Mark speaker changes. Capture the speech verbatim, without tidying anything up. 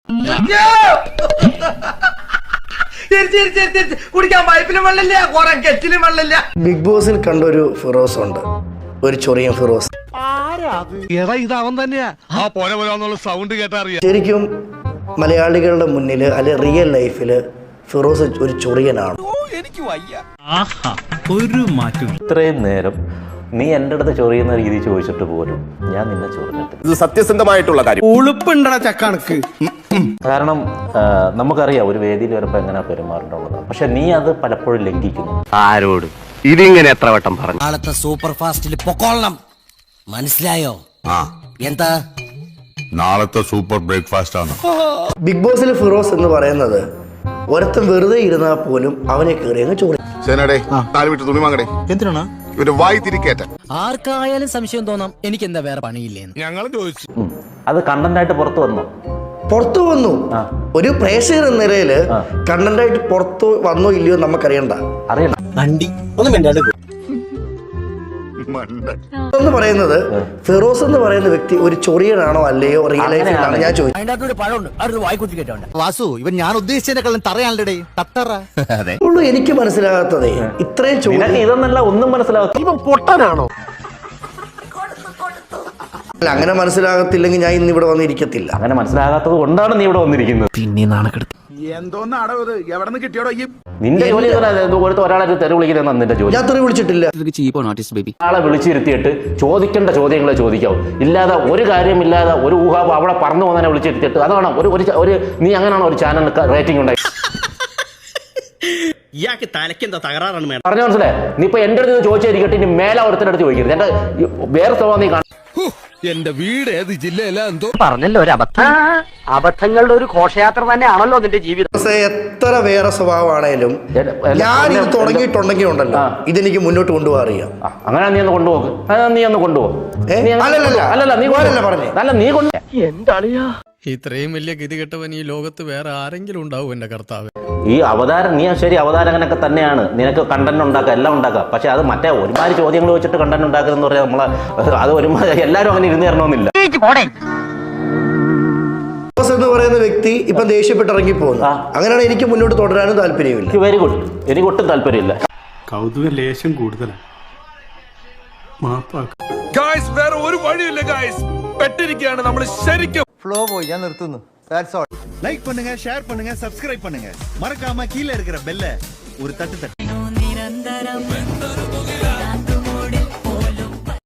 Speaker 1: കുടിക്കാൻ പൈപ്പിലും വെള്ളമില്ല, കുറെ കെറ്റിലും വെള്ളമില്ല.
Speaker 2: ബിഗ് ബോസിൽ കണ്ടൊരു ഫിറോസ് ഉണ്ട്, ഒരു ചൊറിയൻ ഫിറോസ്. ശരിക്കും മലയാളികളുടെ മുന്നിൽ അല്ലെ റിയൽ ലൈഫില് ഫിറോസ് ഒരു ചൊറിയനാണ്.
Speaker 3: ഒരു മാറ്റം.
Speaker 4: ഇത്രയും നേരം നീ എൻ്റെ അടുത്ത് ചൊറിയുന്ന രീതി ചോദിച്ചിട്ട് പോലും ഞാൻ നിന്നെ ചൊറിഞ്ഞിട്ടില്ല.
Speaker 5: ഇത് സത്യസന്ധമായിട്ടുള്ള കാര്യം.
Speaker 3: ഉളുപ്പുണ്ടടാ ചക്കണക്ക്.
Speaker 4: കാരണം നമുക്കറിയാം ഒരു വേദിയിൽ വരുമ്പോൾ എങ്ങനെ പെരുമാറേണ്ടത്. പക്ഷെ നീ അത് പലപ്പോഴും ലംഘിക്കുന്നു.
Speaker 5: ആരോട് ഇതിങ്ങനെ എത്ര വട്ടം പറഞ്ഞു?
Speaker 6: നാളത്തെ സൂപ്പർ ഫാസ്റ്റിൽ പൊക്കോളണം, മനസ്സിലായോ? എന്താ
Speaker 7: നാളത്തെ സൂപ്പർ ബ്രേക്ക്ഫാസ്റ്റ് ആണ്.
Speaker 2: ബിഗ് ബോസിൽ ഫിറോസ് എന്ന് പറയുന്നത് ഒരുത്തം വെറുതെ ഇരുന്നാൽ പോലും അവനെ കയറി അങ്ങ് ചോറി.
Speaker 7: തുണി വാങ്ങടേ.
Speaker 3: എന്തിനാണ്
Speaker 7: ഇവന്റെ വായി തിരിക്കേറ്റ.
Speaker 6: ആർക്കായാലും സംശയം തോന്നാം എനിക്ക് എന്താ വേറെ പണിയില്ലേന്ന്.
Speaker 7: ഞങ്ങൾ ചോദിച്ചു.
Speaker 4: അത് കണ്ടന്റായിട്ട് പുറത്തു വന്നു
Speaker 2: പുറത്തു വന്നു. ഒരു പ്രേക്ഷകർ എന്ന നിലയില് കണ്ടന്റായിട്ട് പുറത്തു വന്നോ ഇല്ലയോ നമുക്കറിയണ്ട.
Speaker 4: അറിയണം.
Speaker 3: വണ്ടി ഒന്നും മിണ്ടാണ്ട്
Speaker 2: എന്ന് പറയുന്നത് ഫിറോസ് എന്ന് പറയുന്ന വ്യക്തി ഒരു ചൊറിയനാണോ അല്ലയോ റിയൽ ലൈഫിലാണ് ഞാൻ ചോദിച്ചത്.
Speaker 3: വാസു, ഇവൻ ഞാൻ ഉദ്ദേശിച്ചതിനെക്കാളും തറയാണല്ലേ തത്തറ.
Speaker 2: ഉള്ളൂ എനിക്ക് മനസ്സിലാകാത്തതേ ഇത്രയും ചോദ്യം.
Speaker 4: ഇതൊന്നല്ല ഒന്നും മനസ്സിലാവും.
Speaker 5: ഇവൻ പൊട്ടനാണോ?
Speaker 2: അല്ല, അങ്ങനെ മനസ്സിലാകത്തില്ലെങ്കിൽ ഞാൻ ഇന്ന് ഇവിടെ വന്നിരിക്കത്തില്ല.
Speaker 4: അങ്ങനെ മനസ്സിലാകാത്തത് കൊണ്ടാണ് നീ ഇവിടെ വന്നിരിക്കുന്നത്.
Speaker 6: പിന്നെ നാണക്കെടുത്ത്
Speaker 7: എന്തോന്നാടോ ഇത്? എവിടെ നിന്ന് കിട്ടിയോടോ ഈ?
Speaker 4: നിന്റെ ജോലി ഒരാളെ തെറി വിളിക്കുന്ന നിന്റെ ജോലി.
Speaker 2: ഞാൻ തെറി വിളിച്ചിട്ടില്ല.
Speaker 4: ആളെ വിളിച്ചിരുത്തിയിട്ട് ചോദിക്കേണ്ട ചോദ്യങ്ങളെ ചോദിക്കാവും. ഇല്ലാതെ ഒരു കാര്യമില്ലാതെ ഒരു ഊഹാവ് അവിടെ പറഞ്ഞു പോകുന്നതിനെ വിളിച്ചിരുത്തിയിട്ട് അതാണ് ഒരു ഒരു നീ അങ്ങനെയാണോ ഒരു ചാനൽ റേറ്റിംഗ് ഉണ്ടായി?
Speaker 3: ഇയാൾക്ക് തലക്കെന്താ തകരാറാണ് മേഡം.
Speaker 4: പറഞ്ഞു മനസ്സിലായി. നീ ഇപ്പൊ എന്റെ അടുത്ത് ചോദിച്ചായിരിക്കട്ടെ, ഇനി മേലെ ഒരുത്തിന്റെ അടുത്ത് ചോദിക്കരുത്. എന്റെ വേറെ സ്വഭാവം നീ കാണും.
Speaker 7: എന്റെ വീട് ഏത് ജില്ലയിലാ എന്തോ
Speaker 6: പറഞ്ഞല്ലോ ഒരു അബദ്ധം. അബദ്ധങ്ങളുടെ ഒരു ഘോഷയാത്ര തന്നെയാണല്ലോ നിന്റെ ജീവിതം.
Speaker 2: എത്ര വേറെ സ്വഭാവമാണേലും ഞാൻ ഇത് തുടങ്ങിയിട്ടുണ്ടെങ്കിൽ ഉണ്ടല്ലോ ഇതെനിക്ക് മുന്നോട്ട് കൊണ്ടുപോകാൻ അറിയാം.
Speaker 4: അങ്ങനെ നീ ഒന്ന് കൊണ്ടുപോകും. നീ ഒന്ന് കൊണ്ടുപോകും. അല്ലല്ല നീ
Speaker 2: പറഞ്ഞു
Speaker 4: അല്ല നീ കൊണ്ട്
Speaker 6: എന്താളിയാ
Speaker 8: ഇത്രയും വലിയ ഗതികെട്ടവൻ ഈ ലോകത്ത് വേറെ ആരെങ്കിലും ഉണ്ടാവും എന്റെ കർത്താവ്.
Speaker 4: ഈ അവതാരം നീ ശരി അവതാരകനൊക്കെ തന്നെയാണ്. നിനക്ക് കണ്ടന്റ് ഉണ്ടാക്കുക, എല്ലാം ഉണ്ടാക്കുക. പക്ഷെ അത് മറ്റേ ഒരുമാതിരി ചോദ്യങ്ങൾ വെച്ചിട്ട് കണ്ടന്റ് ഉണ്ടാക്കുക എന്ന് പറയാൻ നമ്മളെ അത് ഒരുമാതിരി എല്ലാവരും അങ്ങനെ ഇരുന്ന് തരണമെന്നില്ല.
Speaker 2: എന്ന് പറയുന്ന വ്യക്തി ഇപ്പൊ ദേഷ്യപ്പെട്ട് ഇറങ്ങി പോകുന്നു. അങ്ങനെയാണ് എനിക്ക് മുന്നോട്ട് തുടരാനും താല്പര്യമില്ല.
Speaker 4: Very good. എനിക്ക് ഒട്ടും താല്പര്യമില്ല.
Speaker 8: കൗതുക ലേശം കൂടുതലാണ്.
Speaker 7: വേറെ ഒരു വഴിയില്ല ഗായ്സ്, പെട്ടിരിക്കുകയാണ് നമ്മൾ ശരിക്കും.
Speaker 1: ഫ്ലോ പോയി, ഞാൻ നിർത്തുന്നു.
Speaker 3: லைக் பண்ணுங்க, ஷேர் பண்ணுங்க, சப்ஸ்கிரைப் பண்ணுங்க. மறக்காம கீழே இருக்கிற பெல்ல ஒரு தட்டு தட்டு.